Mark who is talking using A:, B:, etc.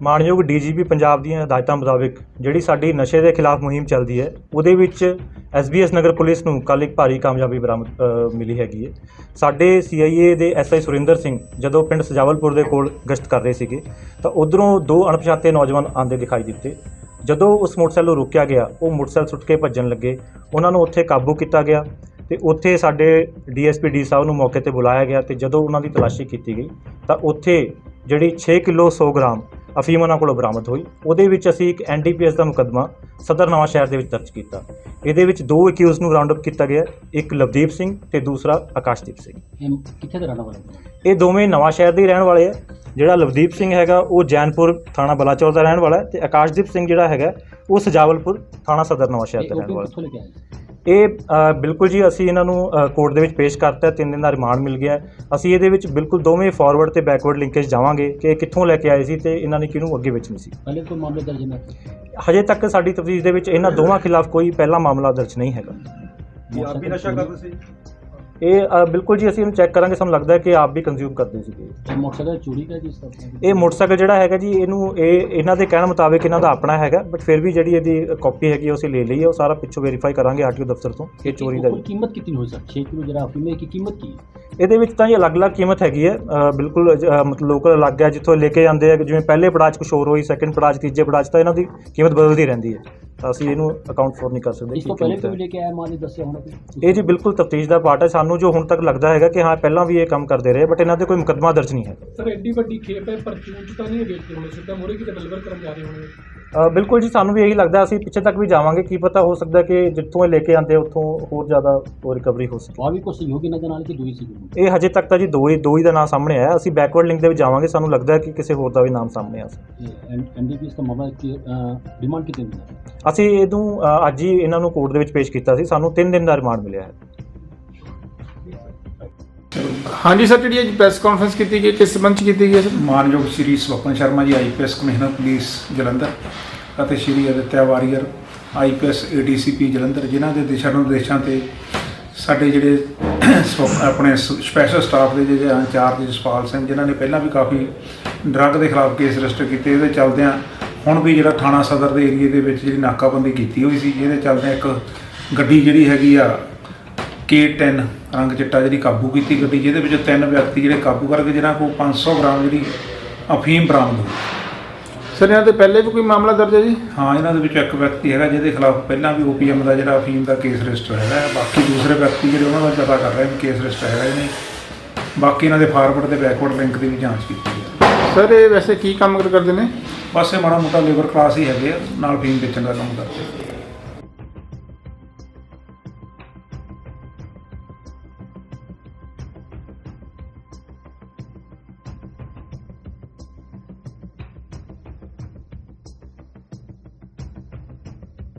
A: ਮਾਣਯੋਗ ਡੀਜੀਪੀ ਪੰਜਾਬ ਦੀਆਂ ਹਦਾਇਤਾਂ ਮੁਤਾਬਿਕ ਜਿਹੜੀ ਸਾਡੀ ਨਸ਼ੇ ਦੇ ਖਿਲਾਫ ਮੁਹਿੰਮ ਚੱਲਦੀ ਹੈ ਉਹਦੇ ਵਿੱਚ SBS ਨਗਰ ਪੁਲਿਸ ਨੂੰ ਕੱਲ੍ਹ ਇੱਕ ਭਾਰੀ ਕਾਮਯਾਬੀ ਬਰਾਮਦ ਮਿਲੀ ਹੈਗੀ ਹੈ। ਸਾਡੇ CIA ਦੇ SI ਸੁਰਿੰਦਰ ਸਿੰਘ ਜਦੋਂ ਪਿੰਡ ਸਜਾਵਲਪੁਰ ਦੇ ਕੋਲ ਗਸ਼ਤ ਕਰ ਰਹੇ ਸੀਗੇ ਤਾਂ ਉੱਧਰੋਂ ਦੋ ਅਣਪਛਾਤੇ ਨੌਜਵਾਨ ਆਉਂਦੇ ਦਿਖਾਈ ਦਿੱਤੇ। ਜਦੋਂ ਉਸ ਮੋਟਰਸਾਈਕਲ ਨੂੰ ਰੋਕਿਆ ਗਿਆ ਉਹ ਮੋਟਰਸਾਈਕਲ ਸੁੱਟ ਕੇ ਭੱਜਣ ਲੱਗੇ। ਉਹਨਾਂ ਨੂੰ ਉੱਥੇ ਕਾਬੂ ਕੀਤਾ ਗਿਆ ਤੇ ਉੱਥੇ ਸਾਡੇ DSP ਡੀ ਸਾਹਿਬ ਨੂੰ ਮੌਕੇ ਤੇ ਬੁਲਾਇਆ ਗਿਆ ਤੇ ਜਦੋਂ ਉਹਨਾਂ ਦੀ ਤਲਾਸ਼ੀ ਕੀਤੀ ਗਈ ਤਾਂ ਉੱਥੇ ਜਿਹੜੀ 6 ਕਿਲੋ 100 ਗ੍ਰਾਮ ਅਫੀਮ ਉਹਨਾਂ ਕੋਲੋਂ ਬਰਾਮਦ ਹੋਈ। ਉਹਦੇ ਵਿੱਚ ਅਸੀਂ ਇੱਕ NDPS ਦਾ ਮੁਕੱਦਮਾ ਸਦਰ ਨਵਾਂ ਸ਼ਹਿਰ ਦੇ ਵਿੱਚ ਦਰਜ ਕੀਤਾ। ਇਹਦੇ ਵਿੱਚ ਦੋ ਅਕਿਊਜ਼ ਨੂੰ ਰਾਉਂਡ ਅਪ ਕੀਤਾ ਗਿਆ, ਇੱਕ ਲਵਦੀਪ ਸਿੰਘ ਤੇ ਦੂਸਰਾ ਆਕਾਸ਼ਦੀਪ ਸਿੰਘ।
B: ਕਿੱਥੇ ਦੇ ਰਹਿਣ ਵਾਲੇ?
A: ਇਹ ਦੋਵੇਂ ਨਵਾਂ ਸ਼ਹਿਰ ਦੇ ਹੀ ਰਹਿਣ ਵਾਲੇ ਆ। ਜਿਹੜਾ ਲਵਦੀਪ ਸਿੰਘ ਹੈਗਾ ਉਹ ਜੈਨਪੁਰ ਥਾਣਾ ਬਲਾਚੌਰ ਦਾ ਰਹਿਣ ਵਾਲਾ ਹੈ ਤੇ ਆਕਾਸ਼ਦੀਪ ਸਿੰਘ ਜਿਹੜਾ ਹੈਗਾ ਉਹ ਸਜਾਵਲਪੁਰ ਥਾਣਾ ਸਦਰ ਨਵਾਂ ਸ਼ਹਿਰ ਦਾ ਰਹਿਣ ਵਾਲਾ ਹੈ। ਇਹ ਬਿਲਕੁਲ ਜੀ ਅਸੀਂ ਇਹਨਾਂ ਨੂੰ ਕੋਰਟ ਦੇ ਵਿੱਚ ਪੇਸ਼ ਕਰਤਾ। 3 ਦਿਨ ਦਾ ਰਿਮਾਂਡ ਮਿਲ ਗਿਆ। ਅਸੀਂ ਇਹਦੇ ਵਿੱਚ ਬਿਲਕੁਲ ਦੋਵੇਂ ਫਾਰਵਰਡ ਤੇ ਬੈਕਵਰਡ ਲਿੰਕੇਜ ਜਾਵਾਂਗੇ ਕਿ ਇਹ ਕਿੱਥੋਂ ਲੈ ਕੇ ਆਏ ਸੀ ਤੇ ਇਹਨਾਂ ਨੇ ਕਿਹਨੂੰ ਅੱਗੇ ਵੇਚਣੀ ਸੀ।
B: ਪਹਿਲੇ ਕੋਈ ਮਾਮਲੇ ਦਰਜ ਨਹੀਂ?
A: ਹਜੇ ਤੱਕ ਸਾਡੀ ਤਫਤੀਸ਼ ਦੇ ਵਿੱਚ ਇਹਨਾਂ ਦੋਵਾਂ ਖਿਲਾਫ ਕੋਈ ਪਹਿਲਾ ਮਾਮਲਾ ਦਰਜ ਨਹੀਂ ਹੈਗਾ।
C: ਆਪ ਵੀ ਨਸ਼ਾ ਕਰਦੇ ਸੀ?
A: ਇਹ ਬਿਲਕੁਲ ਜੀ ਅਸੀਂ ਇਹਨੂੰ ਚੈੱਕ ਕਰਾਂਗੇ। ਸਾਨੂੰ ਲੱਗਦਾ ਹੈ ਕਿ ਆਪ ਵੀ ਕੰਜ਼ਿਊਮ ਕਰਦੇ ਸੀਗੇ।
B: ਮੋਟਰਸਾਈਕਲ ਚੋਰੀ ਦਾ ਜਿਸ ਤਰ੍ਹਾਂ
A: ਇਹ ਮੋਟਰਸਾਈਕਲ ਜਿਹੜਾ ਹੈਗਾ ਜੀ ਇਹਨਾਂ ਦੇ ਕਹਿਣ ਮੁਤਾਬਿਕ ਇਹਨਾਂ ਦਾ ਆਪਣਾ ਹੈਗਾ, ਬਟ ਫਿਰ ਵੀ ਜਿਹੜੀ ਇਹਦੀ ਕਾਪੀ ਹੈਗੀ ਉਹ ਅਸੀਂ ਲੈ ਲਈ ਹੈ। ਉਹ ਸਾਰਾ ਪਿੱਛੋਂ ਵੈਰੀਫਾਈ ਕਰਾਂਗੇ RTO ਦਫ਼ਤਰ ਤੋਂ। ਇਹ ਚੋਰੀ ਦਾ
B: ਕੀਮਤ ਕਿੰਨੀ ਹੋਈ ਸਰ? 6 ਕਿਲੋ ਜਿਹੜਾ ਅਫੀਮ ਦੀ ਕੀਮਤ ਕੀ ਹੈ?
A: ਇਹਦੇ ਵਿੱਚ ਤਾਂ ਜੀ ਅਲੱਗ-ਅਲੱਗ ਕੀਮਤ ਹੈਗੀ ਹੈ। ਬਿਲਕੁਲ ਮਤਲਬ ਲੋਕਲ ਅਲੱਗ ਹੈ ਜਿੱਥੋਂ ਲੈ ਕੇ ਜਾਂਦੇ ਆ। ਜਿਵੇਂ ਪਹਿਲੇ ਪੜਾਅ 'ਚ ਕੁਛ ਹੋਰ ਹੋਈ, ਸੈਕਿੰਡ ਪੜਾਅ 'ਚ, ਤੀਜੇ ਪੜਾਅ 'ਚ ਤਾਂ ਇਹਨਾਂ ਦੀ ਕੀਮਤ ਬਦਲਦੀ ਰਹਿੰਦੀ ਹੈ। ਤਾਂ ਅਸੀਂ ਇਹਨੂੰ ਅਕਾਊਂਟ ਫੋਰ ਨਹੀਂ ਕਰ ਸਕਦੇ।
B: ਇਸ ਤੋਂ ਪਹਿਲੇ ਵੀ ਲੈ ਕੇ ਆਇਆ ਮਾਲ ਦੱਸਿਆ ਹੋਣਾ?
A: ਇਹ ਜੀ ਬਿਲਕੁਲ ਤਫਤੀਸ਼ ਦਾ ਪਾਰਟ ਹੈ। ਸਾਨੂੰ ਜੋ ਹੁਣ ਤੱਕ ਲੱਗਦਾ ਹੈਗਾ ਕਿ ਹਾਂ ਪਹਿਲਾਂ ਵੀ ਇਹ ਕੰਮ ਕਰਦੇ ਰਹੇ, ਬਟ ਇਹਨਾਂ ਤੇ ਕੋਈ ਮੁਕੱਦਮਾ ਦਰਜ ਨਹੀਂ ਹੈ।
C: ਸਰ ਐਡੀ ਵੱਡੀ ਖੇਪ ਹੈ, ਪਰਚੂਨ 'ਚ ਤਾਂ ਨਹੀਂ ਵੇਚਦੇ ਹੋਣੇ, ਸਿੱਧਾ ਮੋਰੇ ਕਿਤੇ ਡਿਲੀਵਰ ਕਰਨ ਜਾ ਰਹੇ ਹੋਣੇ?
A: ਬਿਲਕੁਲ ਜੀ ਸਾਨੂੰ ਵੀ ਇਹੀ ਲੱਗਦਾ। ਅਸੀਂ ਪਿੱਛੇ ਤੱਕ ਵੀ ਜਾਵਾਂਗੇ, ਕੀ ਪਤਾ ਹੋ ਸਕਦਾ ਕਿ ਜਿੱਥੋਂ ਇਹ ਲੈ ਕੇ ਆਉਂਦੇ ਉੱਥੋਂ ਹੋਰ ਜ਼ਿਆਦਾ ਉਹ ਰਿਕਵਰੀ ਹੋ ਸਕੇ।
B: ਆ ਵੀ ਕੋਈ ਸਹਿਯੋਗੀ ਇਹਨਾਂ ਦੇ ਨਾਲ ਕਿ ਦੂਈ ਸੀ?
A: ਇਹ ਹਜੇ ਤੱਕ ਤਾਂ ਜੀ ਦੋ ਹੀ ਦਾ ਨਾਮ ਸਾਹਮਣੇ ਆਇਆ। ਅਸੀਂ ਬੈਕਵਰਡ ਲਿੰਕ ਦੇ ਵਿੱਚ ਜਾਵਾਂਗੇ, ਸਾਨੂੰ ਲੱਗਦਾ ਹੈ ਕਿ ਕਿਸੇ ਹੋਰ ਦਾ ਵੀ ਨਾਮ ਸਾਹਮਣੇ ਆ ਸਕਦਾ।
B: NDPS ਦਾ ਮਾਮਲਾ ਕੀ ਡਿਮਾਂਡ ਕਿਤੇ ਨਹੀਂ?
A: ਅਸੀਂ ਇਹਨੂੰ ਅੱਜ ਹੀ ਇਹਨਾਂ ਨੂੰ ਕੋਰਟ ਦੇ ਵਿੱਚ ਪੇਸ਼ ਕੀਤਾ ਸੀ। ਸਾਨੂੰ 3 ਦਿਨ ਦਾ ਰਿਮਾਂਡ ਮਿਲਿਆ ਹੈ।
D: ਹਾਂਜੀ ਸਰ, ਜਿਹੜੀ ਅੱਜ ਪ੍ਰੈਸ ਕਾਨਫਰੰਸ ਕੀਤੀ ਗਈ ਕਿਸ ਸੰਬੰਧ 'ਚ ਕੀਤੀ ਗਈ ਹੈ?
E: ਮਾਨਯੋਗ ਸ਼੍ਰੀ ਸਵਪਨ ਸ਼ਰਮਾ ਜੀ IPS ਕਮਿਸ਼ਨਰ ਪੁਲਿਸ ਜਲੰਧਰ ਅਤੇ ਸ਼੍ਰੀ ਅਦਿੱਤਿਆ ਵਾਰੀਅਰ IPS ADCP ਜਲੰਧਰ, ਜਿਨ੍ਹਾਂ ਦੇ ਦਿਸ਼ਾ ਨਿਰਦੇਸ਼ਾਂ ਤੇ ਸਾਡੇ ਜਿਹੜੇ ਆਪਣੇ ਸਪੈਸ਼ਲ ਸਟਾਫ ਦੇ ਜਿਹੜੇ ਇੰਚਾਰਜ ਜਸਪਾਲ ਸਿੰਘ, ਜਿਨ੍ਹਾਂ ਨੇ ਪਹਿਲਾਂ ਵੀ ਕਾਫੀ ਡਰੱਗ ਦੇ ਖਿਲਾਫ ਕੇਸ ਰਜਿਸਟਰ ਕੀਤੇ, ਇਹਦੇ ਚੱਲਦਿਆਂ ਹੁਣ ਵੀ ਜਿਹੜਾ ਥਾਣਾ ਸਦਰ ਦੇ ਏਰੀਏ ਦੇ ਵਿੱਚ ਜਿਹੜੀ ਨਾਕਾਬੰਦੀ ਕੀਤੀ ਹੋਈ ਸੀ, ਜਿਹਦੇ ਚੱਲਦਿਆਂ ਇੱਕ ਗੱਡੀ ਜਿਹੜੀ ਹੈਗੀ ਆ K10 ਰੰਗ ਚਿੱਟਾ ਜਿਹੜੀ ਕਾਬੂ ਕੀਤੀ ਗੱਡੀ, ਜਿਹਦੇ ਵਿੱਚ 3 ਵਿਅਕਤੀ ਜਿਹੜੇ ਕਾਬੂ ਕਰਕੇ ਜਿਹਨਾਂ ਕੋਲ 500 ਗ੍ਰਾਮ ਜਿਹੜੀ ਅਫੀਮ ਬਰਾਮਦ ਹੋਈ।
D: ਸਰ ਇਹਨਾਂ ਦੇ ਪਹਿਲੇ ਵੀ ਕੋਈ ਮਾਮਲਾ ਦਰਜ ਹੈ ਜੀ?
E: ਹਾਂ, ਇਹਨਾਂ ਦੇ ਵਿੱਚ ਇੱਕ ਵਿਅਕਤੀ ਹੈਗਾ ਜਿਹਦੇ ਖਿਲਾਫ ਪਹਿਲਾਂ ਵੀ OPM ਦਾ ਜਿਹੜਾ ਅਫੀਮ ਦਾ ਕੇਸ ਰਜਿਸਟਰ ਹੈਗਾ। ਬਾਕੀ ਦੂਸਰੇ ਵਿਅਕਤੀ ਜਿਹੜੇ ਉਹਨਾਂ ਦਾ ਪਤਾ ਕਰ ਰਹੇ ਨੇ ਕੇਸ ਰਜਿਸਟਰ ਹੈਗਾ ਇਹਨੇ। ਬਾਕੀ ਇਹਨਾਂ ਦੇ ਫਾਰਵਰਡ ਤੇ ਬੈਕਵਰਡ ਲਿੰਕ ਦੀ ਵੀ ਜਾਂਚ ਕੀਤੀ ਹੈ।
D: ਸਰ ਇਹ ਵੈਸੇ ਕੀ ਕੰਮ ਕਰਦੇ ਨੇ?
E: ਬਸ ਇਹ ਮਾੜਾ ਮੋਟਾ ਲੇਬਰ ਕਲਾਸ ਹੀ ਹੈਗੇ ਆ, ਨਾਲ ਅਫੀਮ ਵੇਚਣ ਦਾ ਕੰਮ ਕਰਦੇ।